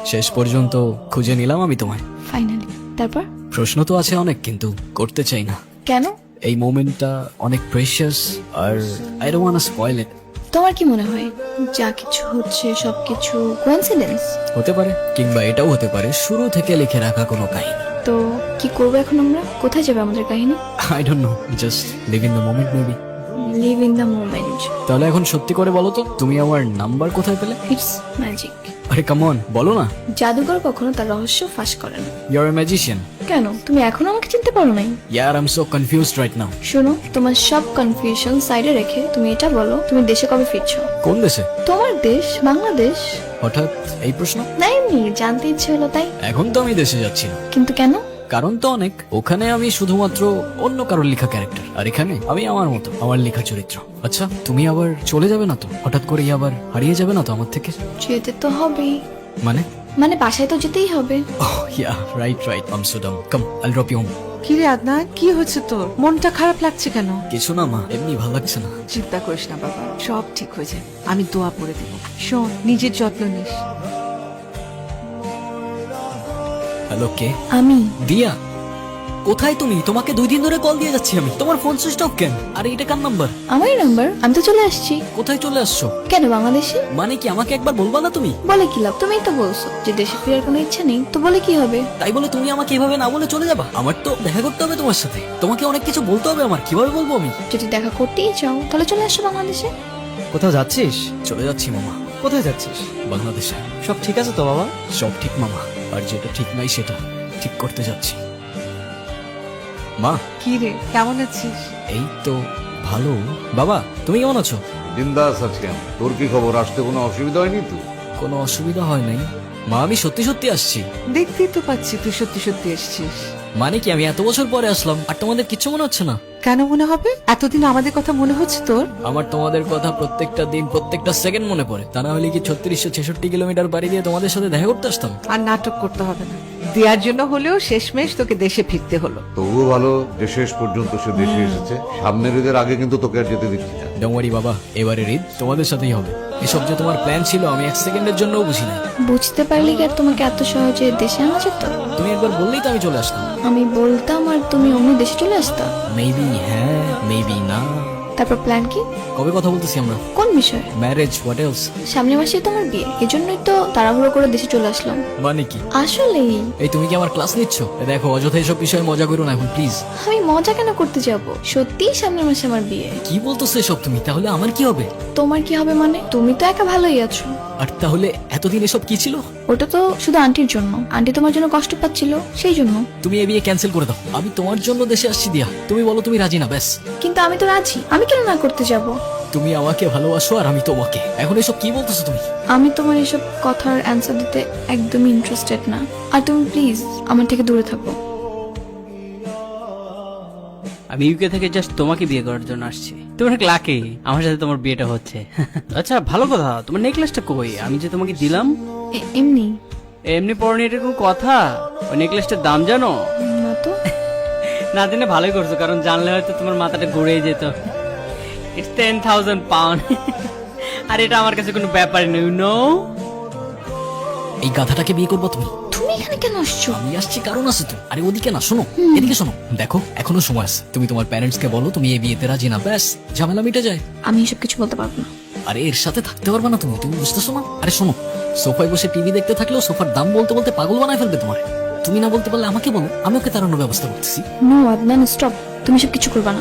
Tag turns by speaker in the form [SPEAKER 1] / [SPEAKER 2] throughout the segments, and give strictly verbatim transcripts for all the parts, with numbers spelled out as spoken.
[SPEAKER 1] শেষ পর্যন্ত খুঁজে নিলাম আমি তোমায়।
[SPEAKER 2] ফাইনালি। তারপর?
[SPEAKER 1] প্রশ্ন তো আছে অনেক, কিন্তু করতে চাই না।
[SPEAKER 2] কেন?
[SPEAKER 1] এই মোমেন্টটা অনেক প্রেশিয়াস, আর I don't want to spoil it.
[SPEAKER 2] তোমার কি মনে হয় যা কিছু হচ্ছে সবকিছু কোইন্সিডেন্স?
[SPEAKER 1] হতে পারে, কিংবা এটাও হতে পারে শুরু থেকে লিখে রাখা কোনো কাহিনী।
[SPEAKER 2] তো কি করবো এখন আমরা? কোথায় যাবে আমাদের কাহিনী?
[SPEAKER 1] I don't know, just live in the moment maybe.
[SPEAKER 2] Live in the moment.
[SPEAKER 1] তাহলে এখন সত্যি করে বলো তো, তুমি আমার নাম্বার কোথায় পেলে?
[SPEAKER 2] It's magic.
[SPEAKER 1] আরে কাম অন, বলো না।
[SPEAKER 2] জাদুকর কখনো তার রহস্য ফাঁস করে না।
[SPEAKER 1] You are a magician.
[SPEAKER 2] কেন তুমি এখনো আমাকে চিনতে পারো নাই?
[SPEAKER 1] ইয়ার I am so confused right now.
[SPEAKER 2] শোনো, তোমার সব কনফিউশন সাইডে রেখে তুমি এটা বলো, তুমি দেশে কবে ফিরছো?
[SPEAKER 1] কোন দেশে?
[SPEAKER 2] তোমার দেশ, বাংলাদেশ।
[SPEAKER 1] হঠাৎ এই প্রশ্ন?
[SPEAKER 2] না, এমনি জানতে ইচ্ছে হলো তাই।
[SPEAKER 1] এখন তো আমি দেশে যাচ্ছি না।
[SPEAKER 2] কিন্তু কেন?
[SPEAKER 1] কারণ তো অনেক। ওখানে আমি শুধুমাত্র অন্য কারোর লেখা ক্যারেক্টার, আর এখানে আমি আমার মতো, আমার লেখা চরিত্র। আচ্ছা, তুমি আবার চলে যাবে না তো? হঠাৎ করে আবার হারিয়ে যাবে না তো আমার থেকে?
[SPEAKER 2] যেতে তো হবেই।
[SPEAKER 1] মানে?
[SPEAKER 2] মানে বাসায় তো যেতেই হবে।
[SPEAKER 1] Oh yeah, right right, I am so dumb. Come, আইল ড্রপ ইউ হোম।
[SPEAKER 3] কি রে আদনান, কি হচ্ছে তোর? মনটা খারাপ লাগছে কেন?
[SPEAKER 1] কিছু না মা, এমনি ভালো লাগছে না।
[SPEAKER 3] চিন্তা করিস না বাবা, সব ঠিক হয়ে যাবে। আমি দোয়া করে দেব। শোন, নিজের যত্ন নিস।
[SPEAKER 1] হ্যালো, কে?
[SPEAKER 2] আমি।
[SPEAKER 1] দিয়া, কোথায় তুমি? তোমাকে দুই দিন ধরে কল দিয়ে যাচ্ছি আমি, তোমার ফোন সুইচ অফ কেন? আরে এটা কার নাম্বার?
[SPEAKER 2] আমার নাম্বার। আমি তো চলে আসছি।
[SPEAKER 1] কোথায় চলে আসছো?
[SPEAKER 2] কেন বাংলাদেশে?
[SPEAKER 1] মানে কি, আমাকে একবার বলবা না তুমি?
[SPEAKER 2] বলে কি লাভ? তুমিই তো বলছো যে দেশে ফেরার কোনো ইচ্ছা নেই, তো বলে কি হবে?
[SPEAKER 1] তাই বলে তুমি আমাকে এভাবে না বলে চলে যাবা? আমার তো দেখা করতে হবে তোমার সাথে, তোমাকে অনেক কিছু বলতে হবে আমার। কিভাবে বলবো আমি?
[SPEAKER 2] যদি দেখা করতেই চাও তাহলে চলে আসো বাংলাদেশে।
[SPEAKER 4] কোথাও যাচ্ছিস?
[SPEAKER 1] চলে যাচ্ছি মামা,
[SPEAKER 4] কোথায় যাচ্ছিস?
[SPEAKER 1] বাংলাদেশে।
[SPEAKER 4] সব ঠিক আছে তো বাবা?
[SPEAKER 1] সব ঠিক মামা, আর যেটা ঠিক নাই সেটা ঠিক করতে যাচ্ছি। মা,
[SPEAKER 3] কি রে, কেমন আছিস?
[SPEAKER 1] এই তো ভালো। বাবা, তুমি কেমন আছো?
[SPEAKER 5] বিন্দাস আছি আমি। তোর কি খবর? আসতে কোনো অসুবিধা হয়নি তো?
[SPEAKER 1] কোনো অসুবিধা হয় নাই মা, আমি সত্যি সত্যি আসছি।
[SPEAKER 3] দেখতেই তো পাচ্ছি তুই সত্যি সত্যি এসেছিস।
[SPEAKER 1] মানে কি, আমি এত বছর পরে আসলাম আর তোমাদের কিচ্ছু মনে হচ্ছে না?
[SPEAKER 3] কেন মনে হবে? এতদিন আমাদের কথা মনে হচ্ছে তোর?
[SPEAKER 1] আমার তোমাদের কথা প্রত্যেকটা দিন, প্রত্যেকটা সেকেন্ড মনে পড়ে। তা না হলে কি ছত্রিশশো ছেষট্টি কিলোমিটার বাড়ি দিয়ে তোমাদের সাথে দেখা করতে আসতাম?
[SPEAKER 3] আর নাটক করতে হবে না। দেওয়ার জন্য হলেও শেষমেশ তোকে দেশে ফিরতে হলো।
[SPEAKER 5] তবুও ভালো যে শেষ পর্যন্ত সে দেশে এসেছে। সামনের ঈদের আগে কিন্তু তোকে আর যেতে দিচ্ছি না।
[SPEAKER 1] ডোমারি বাবা, এবারের ঈদ তোমাদের সাথেই হবে। এসব যে তোমার প্ল্যান ছিল আমি এক সেকেন্ডের জন্যও বুঝি না।
[SPEAKER 2] বুঝতে পারলি কি আর তোমাকে এত সহজে দেশে আনা যেত?
[SPEAKER 1] তুমি একবার বললেই তো আমি চলে আসতাম।
[SPEAKER 2] আমি বলতাম আর তুমি অন্য দেশে চলে আসতা।
[SPEAKER 1] মেবি হ্যাঁ, মেবি না।
[SPEAKER 2] তারপর প্ল্যান কি?
[SPEAKER 1] কবে কথা বলতেছি আমরা?
[SPEAKER 2] কোন বিষয়?
[SPEAKER 1] Marriage, what else?
[SPEAKER 2] সামনের মাসে তোমার বিয়ে, এজন্যই তো তাড়াহুড়ো করে দেশে চলে আসলাম।
[SPEAKER 1] মানে কি?
[SPEAKER 2] আসলেই।
[SPEAKER 1] এই তুমি কি আমার ক্লাস নিচ্ছ? এ দেখো, অযথা এসব বিষয়ে মজা করো না এখন প্লিজ।
[SPEAKER 2] আমি মজা কেন করতে যাব? সত্যিই সামনের মাসে আমার বিয়ে।
[SPEAKER 1] কি বলতেছো এসব তুমি? তাহলে আমার কি হবে?
[SPEAKER 2] তোমার কি হবে মানে? তুমি তো একা ভালোই আছো।
[SPEAKER 1] আর তাহলে এতদিন এসব কি ছিল?
[SPEAKER 2] ওটা তো শুধু আন্টির জন্য। আন্টি তোমার জন্য কষ্ট পাচ্ছিল, সেই জন্য।
[SPEAKER 1] তুমি এ বিয়ে ক্যান্সেল করে দাও। আমি তোমার জন্য দেশে আসছি দিয়া। তুমি বলো তুমি রাজি না, ব্যাস।
[SPEAKER 2] কিন্তু আমি তো রাজি। আমি কেন না করতে যাব?
[SPEAKER 1] তুমি আমাকে ভালোবাসো আর আমি তোমাকে। এখন এসব কি বলতেছো তুমি?
[SPEAKER 2] আমি তোমার এসব কথার অ্যান্সার দিতে একদমই ইন্টারেস্টেড না। আর তুমি প্লিজ আমার থেকে দূরে থাকো।
[SPEAKER 6] আমি ইউকে থেকে জাস্ট তোমাকে বিয়ে করার জন্য আসছি। তুমি অনেক লাকি, আমার সাথে তোমার বিয়েটা হচ্ছে। আচ্ছা ভালো কথা, তোমার নেকলেসটা কই? আমি যে তোমাকে দিলাম।
[SPEAKER 2] এ- এমনি
[SPEAKER 6] এমনি পরনি, এটা কোনো কথা? ওই নেকলেসটার দাম জানো?
[SPEAKER 2] না তো।
[SPEAKER 6] না জেনে ভালোই করছো, কারণ জানলে হয়তো তোমার মাথাটা ঘুরে যেত। It's ten thousand pound. আর এটা আমার কাছে কোনো ব্যাপারই নেই, ইউ নো।
[SPEAKER 1] এই গাধাটাকে বিয়ে করবো তুমি?
[SPEAKER 2] তুমি এখানে কেন আসছো?
[SPEAKER 1] আমি আসছি কারণ আছে তো। আরে ওদিকে না, শোনো, এদিকে শোনো। দেখো, এখনো সময় আছে। তুমি তোমার প্যারেন্টস কে বলো তুমি এই বিয়েতে রাজি না, ব্যাস ঝামেলা মিটে যায়।
[SPEAKER 2] আমি এসব কিছু বলতে পারবো না।
[SPEAKER 1] আরে এর সাথে থাকতে পারবে না তুমি, তুমি বুঝতেছো না? আরে শোনো, সোফায় বসে টিভি দেখতে থাকলেও সোফার দাম বলতে বলতে পাগল বানায় ফেলবে তোমার। তুমি না বলতে পারলে আমাকে বলো, আমি ওকে তাড়ানোর ব্যবস্থা করতেছি।
[SPEAKER 2] No Adnan, stop. তুমি সব কিছু করবা না।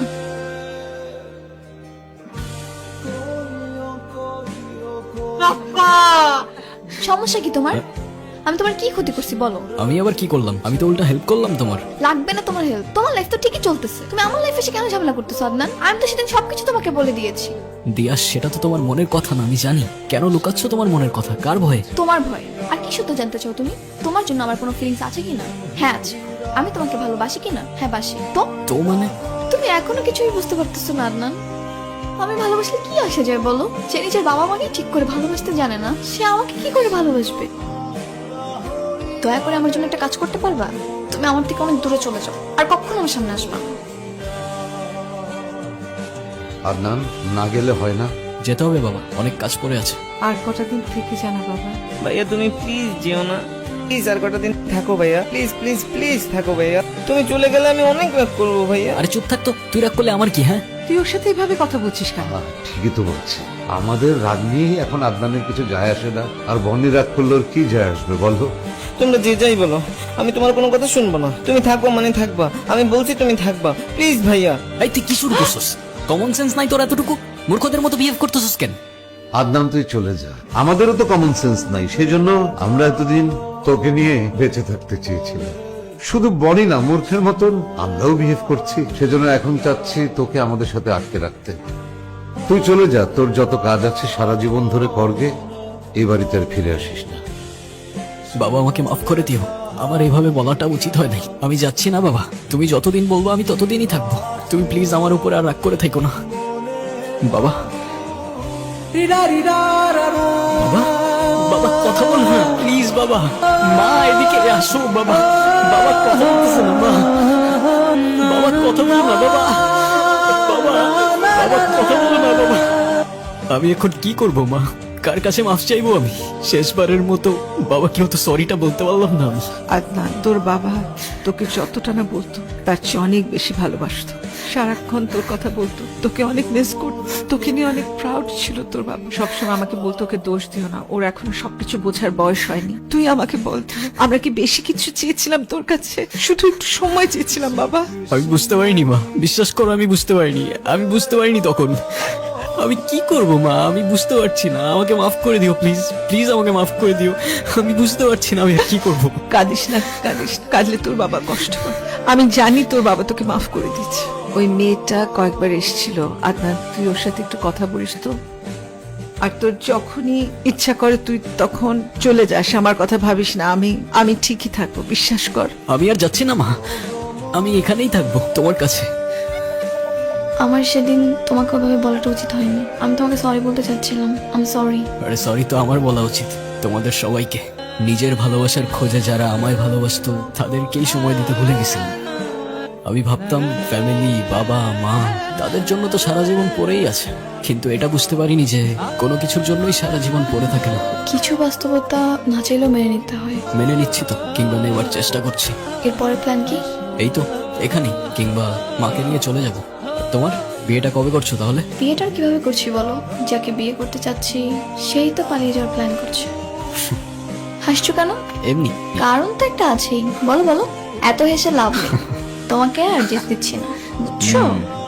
[SPEAKER 2] সমস্যা কি তোমার? আমি তোমার কি ক্ষতি করছি বলো?
[SPEAKER 1] আমি আবার কি করলাম? আমি তো উল্টা হেল্প করলাম তোমার।
[SPEAKER 2] লাগবে না তোমার হেল্প। তোমার লাইফ তো ঠিকই চলতেছে। তুমি আমার লাইফে এসে কেন ঝামেলা করতেছো আদনান? আমি তো সেদিন সবকিছু তোমাকে বলে দিয়েছি।
[SPEAKER 1] দিয়া, সেটা তো তোমার মনের কথা না, আমি জানি। কেন লুকাচ্ছ তোমার মনের কথা? কার ভয়ে?
[SPEAKER 2] তোমার ভয়। আর কি সত্য জানতে চাও তুমি? তোমার জন্য আমার কোনো ফিলিংস আছে কিনা? হ্যাঁ আছে। আমি তোমাকে ভালোবাসি কিনা? হ্যাঁ বাসি। তো
[SPEAKER 1] তো মানে?
[SPEAKER 2] তুমি এখনো কিছুই বুঝতে পারতেছো না আদনান। আমি ভালোবাসলে কি আসে যায় বলো? সে নিজের বাবা মাকে ঠিক করে ভালোবাসতে জানে না, সে আমাকে কি করে ভালোবাসবে? দয়া করে আমার জন্য একটা কাজ করতে পারবা? তুমি আমার থেকে অনেক দূরে চলে যাও, আর কখনো আমার সামনে আসবা না।
[SPEAKER 5] আদনান, না গেলে হয় না।
[SPEAKER 1] যেতে হবে বাবা, অনেক কাজ পড়ে আছে।
[SPEAKER 3] আর কটা দিন থেকে জানা বাবা।
[SPEAKER 7] ভাইয়া তুমি প্লিজ যেও না, প্লিজ আর কটা দিন থাকো ভাইয়া, প্লিজ প্লিজ প্লিজ থাকো ভাইয়া। তুমি চলে গেলে আমি অনেক রাগ করবো ভাইয়া।
[SPEAKER 1] আরে চুপ থাক তো, তুই রাগ করলে আমার কি? হ্যাঁ
[SPEAKER 3] তুই ওর সাথে এইভাবে কথা বলছিস কেন?
[SPEAKER 5] আহ, ঠিকই তো বলছি, আমাদের রাগ নিয়ে এখন আদনানের কিছু যায় আসে না, আর বন্নি রাগ করলে ওর কি যায় আসবে বলো?
[SPEAKER 7] তোমরা যে যাই বলো, আমি তোমার কোনো কথা শুনবো না। তুমি থাকবা মানে থাকবা, আমি বলছি তুমি থাকবা, প্লিজ ভাইয়া।
[SPEAKER 1] এই তুই কি শুরু করছিস? কমন সেন্স নাই তোর এতটুকু? মূর্খদের মতো বিহেভ করতেছিস কেন?
[SPEAKER 5] আদনান তুই চলে যা, আমাদেরও তো কমন সেন্স নাই, সেজন্য আমরা এতদিন তোকে নিয়ে বেঁচে থাকতে চেয়েছিলাম। শুধু বনি না, মূর্খের মতন আমরাও বিহেভ করছি, সেজন্য এখন চাচ্ছি তোকে আমাদের সাথে আটকে রাখতে। তুই চলে যা, তোর যত কাজ আছে সারা জীবন ধরে করগে, এই বাড়িতে আর ফিরে আসিস না।
[SPEAKER 1] বাবা আমাকে মাফ করে দিও, আমার এইভাবে বলাটা উচিত হয় নাই। আমি যাচ্ছি না বাবা, তুমি যতদিন বলবো আমি ততদিনই থাকবো। তুমি প্লিজ আমার উপর আর রাগ করে থেকো না বাবা। বাবা, বাবা কথা বল না প্লিজ বাবা। মা এদিকে আসো বাবা। বাবা কথা বলতেছে না মা। বাবা কথা বলো না বাবা। বাবা, বাবা কথা বলো না বাবা। আমি এখন কি করব মা? কার কাছে মাফ চাইবো আমি? শেষবারের মতো বাবাকে হয়তো সরিটা বলতে পারলাম না আমি।
[SPEAKER 3] আদনান, তোর বাবা তোকে যতটা না বলতো তার চেয়ে অনেক বেশি ভালোবাসতো। সারাক্ষণ তোর কথা বলতো, তোকে অনেক মিস করতো, তোকে নিয়ে অনেক প্রাউড ছিল তোর বাবা। সবসময় আমাকে বলতো ওকে দোষ দিও না, ওর এখনো সবকিছু বোঝার বয়স হয়নি। তুই আমাকে বলতো, আমরা কি বেশি কিছু চেয়েছিলাম তোর কাছে? শুধু একটু সময় চেয়েছিলাম বাবা।
[SPEAKER 1] আমি বুঝতে পারিনি মা, বিশ্বাস করো আমি বুঝতে পারিনি। আমি বুঝতে পারিনি তখন। আমি কি করব মা? আমি বুঝতে পারছি না। আমাকে মাফ করে দিও প্লিজ, প্লিজ আমাকে মাফ করে দিও। আমি বুঝতে পারছি না আমি আর কি করব।
[SPEAKER 3] কাঁদিস না, কাঁদিস না। কাঁদলে তোর বাবা কষ্ট পায়। আমি জানি তোর বাবা তোকে মাফ করে দিচ্ছে। ওই মেয়েটা কয়েকবার এসেছিল, আদনান তুই ওর সাথে একটু কথা বলিস তো। আর তোর যখনই ইচ্ছা করে তুই তখন চলে যাস, আমার কথা ভাবিস না। আমি আমি ঠিকই থাকবো, বিশ্বাস কর।
[SPEAKER 1] আমি আর যাচ্ছি না মা, আমি এখানেই থাকবো তোমার কাছে।
[SPEAKER 2] আমার সেদিন তোমাকে ওভাবে বলাটা উচিত হয়নি। আমি তোমাকে সরি বলতে চাচ্ছিলাম, আমি সরি।
[SPEAKER 1] আরে সরি তো আমার বলা উচিত, তোমাদের সবাইকে। নিজের ভালোবাসার খোঁজে যারা আমায় ভালোবাসতো তাদেরকেই সময় দিতে ভুলে গেছিলাম। আমি ভাবতাম ফ্যামিলি, বাবা মা, তাদের জন্য তো সারা জীবন পড়েই আছে, কিন্তু এটা বুঝতে পারিনি যে কোনো কিছুর জন্যই সারা জীবন পড়ে থাকে না।
[SPEAKER 2] কিছু বাস্তবতা না চাইলেও মেনে নিতে হয়।
[SPEAKER 1] মেনে নিচ্ছি তো, কিংবা নেওয়ার চেষ্টা করছি।
[SPEAKER 2] এরপরের প্ল্যান কি?
[SPEAKER 1] এই তো এখানেই, কিংবা মাকে নিয়ে চলে যাব। তোমার বিয়েটা কবে করছো তাহলে?
[SPEAKER 2] বিয়েটা কিভাবে করছি বলো? যাকে বিয়ে করতে চাচ্ছি সেই তো পালিয়ে যাওয়ার প্ল্যান করছে। হাসছো কেন?
[SPEAKER 1] এমনি।
[SPEAKER 2] কারণ তো একটা আছেই। বলো বলো, এত হেসে লাভ নেই। তোমাকে আর যেতে দিচ্ছি না, বুঝছো?